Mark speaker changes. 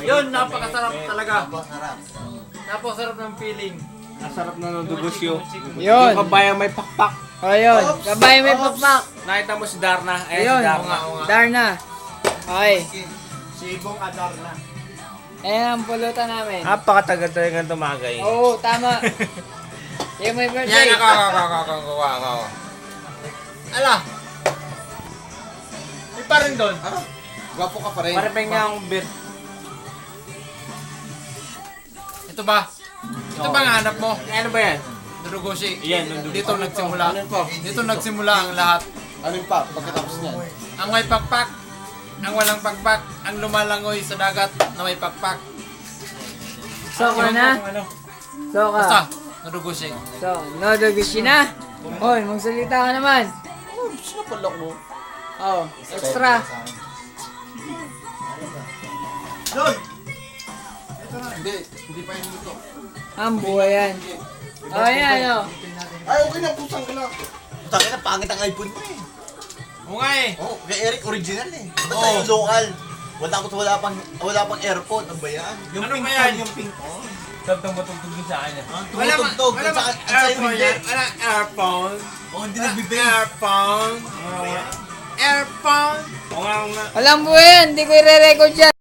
Speaker 1: Yun, napakasarap talaga.
Speaker 2: Masarap.
Speaker 1: Napakasarap ng feeling.
Speaker 3: Nasarap na ng dugusyo.
Speaker 4: Yun.
Speaker 3: Yung kabayan may pakpak.
Speaker 4: O yun. Gabay may pakpak.
Speaker 3: Nakita mo si Darna. Eh,
Speaker 4: Ayun.
Speaker 3: si Darna.
Speaker 4: Darna. Okay.
Speaker 1: Sibong adar na.
Speaker 4: Ayan ang pulutan namin.
Speaker 3: Napakatagal talaga tumagay.
Speaker 4: Oo, tama. Yung may birthday.
Speaker 1: Yan, ako. Ala. May pa rin doon.
Speaker 2: Gwapo ka pa rin.
Speaker 3: Parang nga ang beer.
Speaker 1: Ito ba? Ito ba ang hanap mo?
Speaker 3: Ano ba yan?
Speaker 1: Durugoshi.
Speaker 3: Yan, nandun.
Speaker 1: Dito nagsimula.
Speaker 2: Ano pa?
Speaker 1: Dito nagsimula ang lahat.
Speaker 2: Ano yung pa? Pagkatapos niyan.
Speaker 1: Ang may pakpak, ang walang pakpak, ang lumalangoy sa dagat na may pakpak.
Speaker 4: So ka na? So
Speaker 1: Basta,
Speaker 4: ka.
Speaker 1: Durugoshi.
Speaker 4: So, no dogushi na. Hoy, magsalita ka naman.
Speaker 2: Oh, sinapalak mo.
Speaker 4: Oh, extra.
Speaker 2: Hindi pa yun dito.
Speaker 4: Ang buhay yan. Oh, yan oh.
Speaker 2: Ay, okay na, pusang ka lang. Putang ina, pangit ang iPhone mo eh.
Speaker 1: Oo nga eh.
Speaker 2: Oh, kay Eric original eh. Basta
Speaker 1: Oo.
Speaker 2: yung local. Wala pang airpod. Ano ba yan?
Speaker 1: Yung ano ba yan?
Speaker 2: Yung pink on.
Speaker 3: Tugtog matugtog din sa akin.
Speaker 2: Tumutugtog. At saka sa'yo hindi.
Speaker 1: Wala earphone.
Speaker 2: Oh, hindi
Speaker 1: Wala
Speaker 2: nagbe-bass.
Speaker 1: earphone. Earphone.
Speaker 3: Oo nga, oo nga.
Speaker 4: Walang buhay yan. Hindi ko i-record yan.